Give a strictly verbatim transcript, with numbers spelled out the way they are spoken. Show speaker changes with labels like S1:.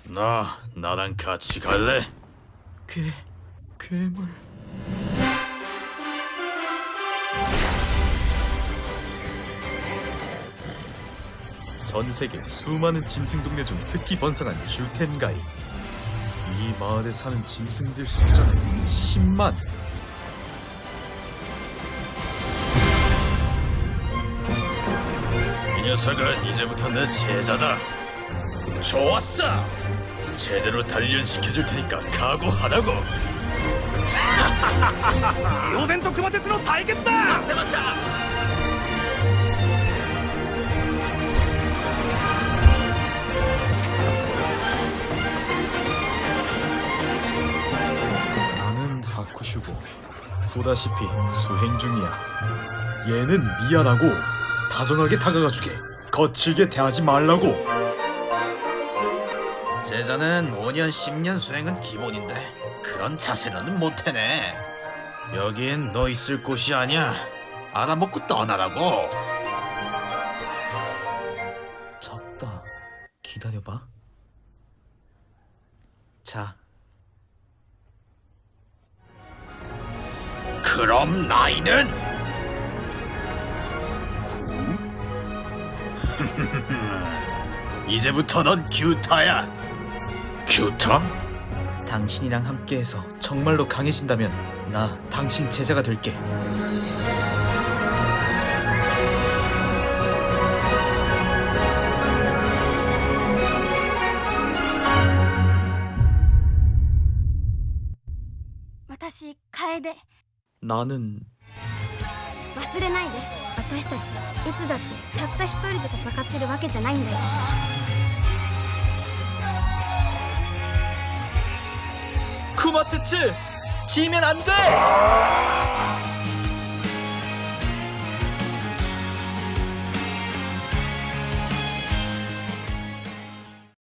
S1: 나 나랑 같이 갈래?
S2: 괴... 괴물... 전 세계 수많은 짐승 동네 중 특히 번성한 슈텐가이. 이 마을에 사는 짐승들 숫자는 십만.
S1: 이 녀석은 이제부터 내 제자다. 좋았어. 제대로 단련시켜줄 테니까 각오하라고.
S3: 両然と熊徹の対決だ。
S1: 出ました。
S2: 나는 하쿠슈고 보다시피 수행 중이야. 얘는 미안하고 다정하게 다가가주게. 거칠게 대하지 말라고.
S1: 제자는 오 년 십 년 수행은 기본인데 그런 자세로는 못해네. 여긴 너 있을 곳이 아니야. 알아먹고 떠나라고.
S2: 작다. 기다려봐. 자,
S1: 그럼 나이는? 이제부터 넌 규타야. 규타?
S2: 당신이랑 함께해서 정말로 강해진다면 나 당신 제자가 될게.
S4: 私楓
S2: 나는
S4: 忘れないで。私たちいつだってたった一人で戦ってるわけじゃないんだよ。
S2: 쿠마테츠! 지면 안 돼!